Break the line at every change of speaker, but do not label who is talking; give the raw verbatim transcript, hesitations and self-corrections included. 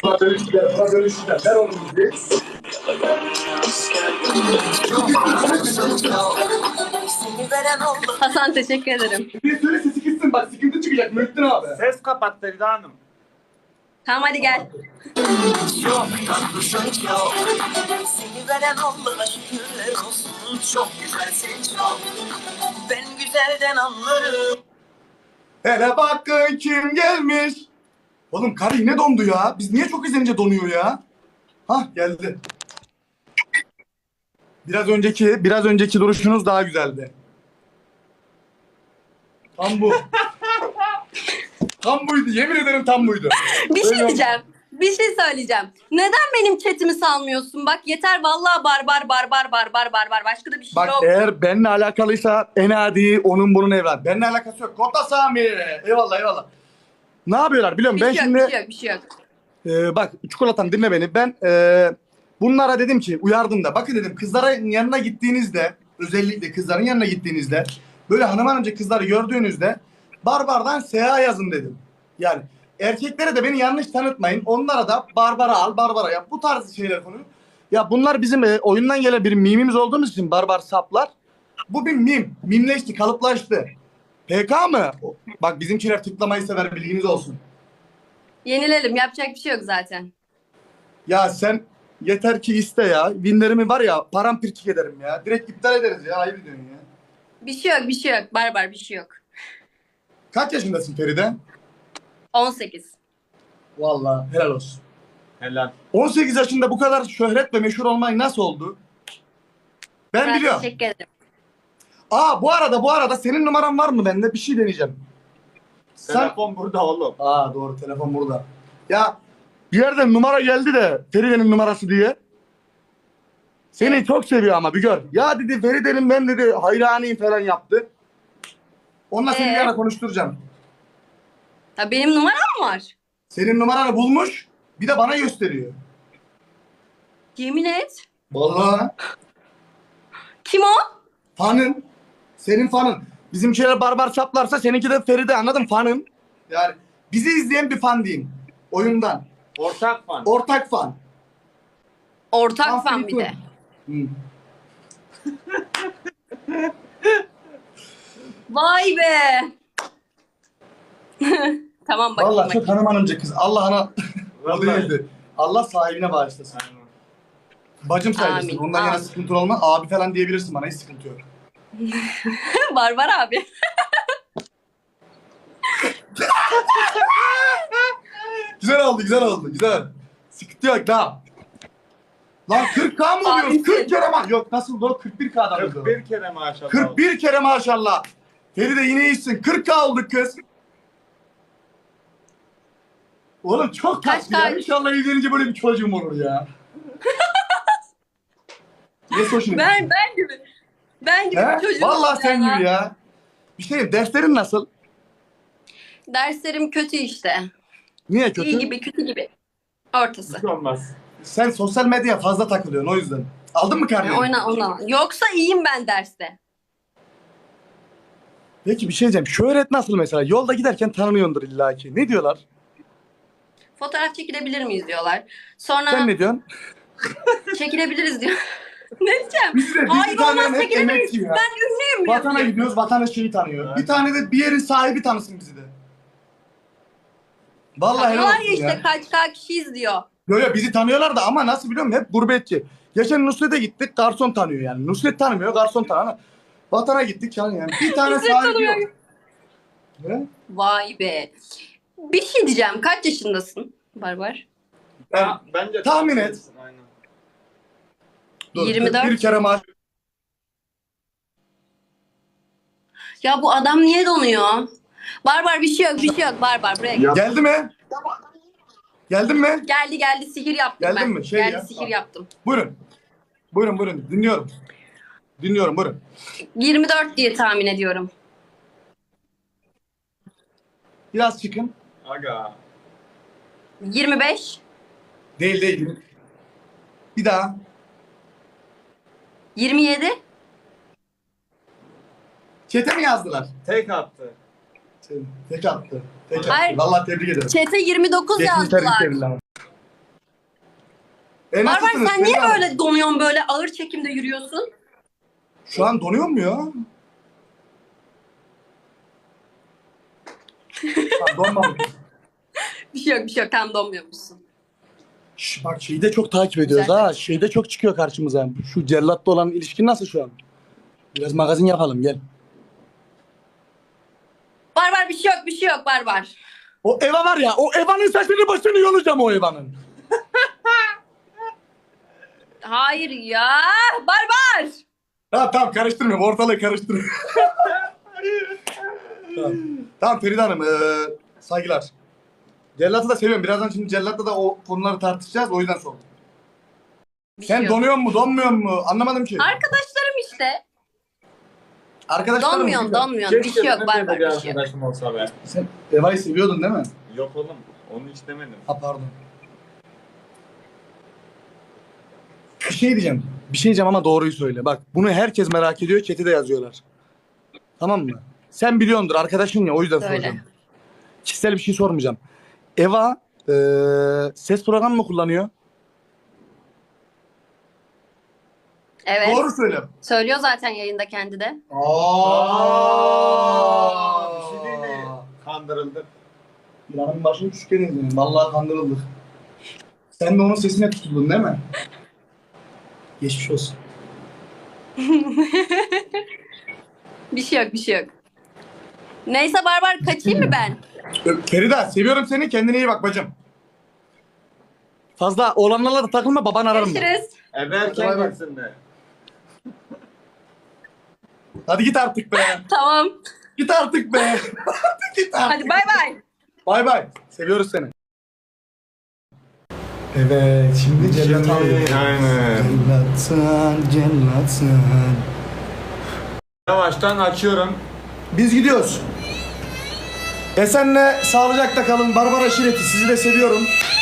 Buna dönüştüler, buna dönüştüler. Ver onu bizi.
Hasan teşekkür ederim.
Bir söyle sesi gitsin bak sıkıntı çıkacak Muhittin abi.
Ses kapat Feride Hanım.
Tamam hadi gel.
Seni veren Allah'a şükürler olsun. Çok güzelsin çok. Ben güzelden anlarım.
Hele bakın kim gelmiş. Oğlum karı yine dondu ya. Biz niye çok izlenince donuyor ya? Hah geldi. Biraz önceki, biraz önceki duruşunuz daha güzeldi. Tam bu. Tam buydu. Yemin ederim tam buydu.
Bir şey
Öyle
diyeceğim. Bir şey söyleyeceğim. Neden benim chatimi salmıyorsun? Bak yeter vallahi barbar barbar barbar barbar. Başka da bir şey
Bak
yok.
eğer benimle alakalıysa en adi onun bunun evlat. Benimle alakası yok. Kota Sami. Eyvallah eyvallah. Ne yapıyorlar biliyor musun?
Bir
Ben
şey yok,
şimdi
bir şey yok, bir şey yok.
e, bak çikolatam dinle beni. Ben e, bunlara dedim ki uyardım da. Bakın dedim kızların yanına gittiğinizde özellikle kızların yanına gittiğinizde böyle hanım hanımcı kızları gördüğünüzde barbardan Seha yazın dedim. Yani erkeklere de beni yanlış tanıtmayın. Onlara da Barbara al, Barbara yap. Bu tarz şeyler konu. Ya bunlar bizim e, oyundan gelen bir mimimiz olduğumuz için barbar saplar. Bu bir mim. Mimleşti, kalıplaştı. P K mı? Bak bizimkiler tıklamayı sever bilginiz olsun.
Yenilelim. Yapacak bir şey yok zaten.
Ya sen yeter ki iste ya. Winlerimi var ya paramparçık ederim ya. Direkt iptal ederiz ya. Ayıp ediyorsun ya.
Bir şey yok, bir şey yok. Barbar bir şey yok.
Kaç yaşındasın Feride?
on sekiz.
Vallahi helal olsun.
Helal.
on sekiz yaşında bu kadar şöhret ve meşhur olmak nasıl oldu? Ben
Ben
biliyorum.
teşekkür ederim.
Aa bu arada bu arada senin numaran var mı bende? Bir şey deneyeceğim. Sen...
Telefon burada oğlum.
Aa doğru telefon burada. Ya bir yerden numara geldi de Feride'nin numarası diye. Seni çok seviyor ama bir gör. Ya dedi Feride'nin ben dedi hayranıyım falan yaptı. Onunla seni bir
Ee?
ara konuşturacağım.
Ha, benim numaram mı var?
Senin numaranı bulmuş bir de bana gösteriyor.
Yemin et.
Vallahi
Kim o?
fanın. Senin fanın. Bizimkiler barbar çaplarsa seninki de Feride anladın fanın. Yani bizi izleyen bir fan diyeyim. Oyundan.
Ortak fan.
Ortak fan.
Ortak
Fan
fan bir de.
Hı.
Vay be. Tamam bakayım
Vallahi çok
bakayım.
hanım hanımcı kız. Allah ana o
Vallahi.
değildi. Allah sahibine bağışlasın.
Aynen.
Bacım sayılırsın.
Amin,
Ondan yana
amin.
sıkıntı olmaz. Abi falan diyebilirsin bana. Hiç sıkıntı yok.
Barbar abi.
Güzel oldu, güzel oldu. Güzel. Sıkıntı yok daha. Lan kırk K mı oluyoruz?
Abisin.
kırk kere ma... Yok nasıl bu? kırk bir K'dan
kırk
oldu.
bir kere maşallah.
kırk bir kere maşallah. Feride yine iyisin. kırk K olduk kız. Oğlum çok
Kaç
tatlı ya.
K?
İnşallah evlenince böyle bir çocuğum olur ya. Ne hoşuna
Ben
gitti?
ben gibi. Ben gibi
He?
bir çocuğum
Vallahi
oldu
sen
ya.
gibi ya. Bir şey derslerin nasıl?
Derslerim kötü işte.
Niye kötü?
İyi gibi kötü gibi. Ortası.
Hiç olmaz.
Sen sosyal medyaya fazla takılıyorsun o yüzden. Aldın mı karneni?
Yani oyna ona. Yoksa iyiyim ben derste.
Peki bir şey diyeceğim. Şöhret nasıl mesela? Yolda giderken tanınıyordur illaki. Ne diyorlar?
Fotoğraf çekilebilir miyiz diyorlar. Sonra
Sen ne diyorsun?
çekilebiliriz diyor. Ne diyeceğim?
Biz de biz
Hayır
bir tane
olmaz
hep
çekilemeyiz.
emekçi ya.
Ben ünlüyüm
Vatana
diyor.
gidiyoruz, vatana şeyi tanıyor.
Evet.
Bir tane de bir yerin sahibi tanısın bizi de. Vallahi helal
Tanıyorlar
olsun
ya işte
ya.
kaç kaç kişiyiz diyor.
Yo yo bizi tanıyorlar da ama nasıl biliyor musun? Hep gurbetçi. Geçen Nusret'e gittik, garson tanıyor yani. Nusret tanımıyor, garson tanıyor. Vatana gittik yani. yani. Bir tane
Nusret
sahibi
tanımıyor.
yok. Ne?
Vay be. Bir şey diyeceğim. Kaç yaşındasın Barbar?
Ben,
Ha, bence
tahmin et.
Aynen.
dur,
yirmi dört.
Bir kere maaş.
Ya bu adam niye donuyor? Barbar bir şey yok bir şey yok. Barbar buraya gel.
Geldi mi? Geldin mi?
Geldi geldi sihir yaptım
Geldin
ben.
mi? Şey
geldi
ya.
sihir yaptım.
Buyurun. Buyurun buyurun. Dinliyorum. Dinliyorum buyurun.
yirmi dört diye tahmin ediyorum.
Biraz çıkın.
Aga.
yirmi beş.
Değil değil. Bir daha.
yirmi yedi.
Çete mi yazdılar?
Tek attı.
Şey, Tek attı. Tek
Hayır.
attı. Vallahi tebrik ederim.
Çete yirmi dokuz
Geçmiş
yazdılar.
tebrikler. E,
Barbar
nasılsınız
sen niye
Feride Hanım?
böyle donuyorsun, böyle ağır çekimde yürüyorsun?
Şu an donuyor mu ya? Lan donmamış.
Bir şey yok, bir şey yok. Tam donmuyormuşsun.
Şş, bak şeyi de çok takip ediyoruz
Güzel.
ha. Şeyde çok çıkıyor karşımıza. Şu cellatla olan ilişkin nasıl şu an? Biraz magazin yapalım gel.
Barbar bir şey yok, bir şey yok Barbar.
O Eva var ya, o Eva'nın saçını başını yolacağım o Eva'nın.
Hayır ya. Barbar.
Tamam tamam karıştırmıyorum, ortalığı karıştırmıyorum. tamam. Tamam Feride Hanım, ee, saygılar. Cellat'ı da seviyorum. Birazdan şimdi Cellat'la da o konuları tartışacağız, o yüzden sordum.
Bir
Sen
şey yok.
donuyor mu, donmuyor mu? Anlamadım ki.
Arkadaşlarım işte.
Arkadaşlarım
Donmuyorsun, donmuyorsun. Bir şey yok
benim de
Barbar,
bir
bir şey yok.
arkadaşım olsa be.
Sen Eva'yı seviyordun değil mi?
Yok oğlum. Onu hiç demedim.
Ha pardon. Bir şey diyeceğim. Bir şey diyeceğim ama doğruyu söyle. Bak bunu herkes merak ediyor. Chat'e de yazıyorlar. Tamam mı? Sen biliyordur. Arkadaşın ya o yüzden
Söyle.
soracağım. Kişisel bir şey sormayacağım. Eva eee, ses programı mı kullanıyor?
Evet.
Doğru söyle.
Söylüyor zaten yayında kendi de.
Aa,
Bir şey değil mi? Kandırıldık.
Planın başını küçükken izledim. Vallahi kandırıldık. Sen de onun sesine tutuldun değil mi? Geçmiş olsun.
Bir şey yok, bir şey yok. Neyse Barbar kaçayım mı ben?
Ö- Feride seviyorum seni. Kendine iyi bak bacım. Fazla oğlanlarla da takılma, baban ararım ben.
Görüşürüz.
Eve
Bay
erken
bay.
gitsin de.
Hadi git artık be.
Tamam.
Git artık be. Git artık.
Hadi bay bay.
Bay bay. Seviyoruz seni. Evet, şimdi cellat alıyor.
Aynen.
Cellatsan, cellatsan.
Yavaştan açıyorum.
Biz gidiyoruz. Esenle sağlıcakla kalın. Barbar aşireti sizi de seviyorum.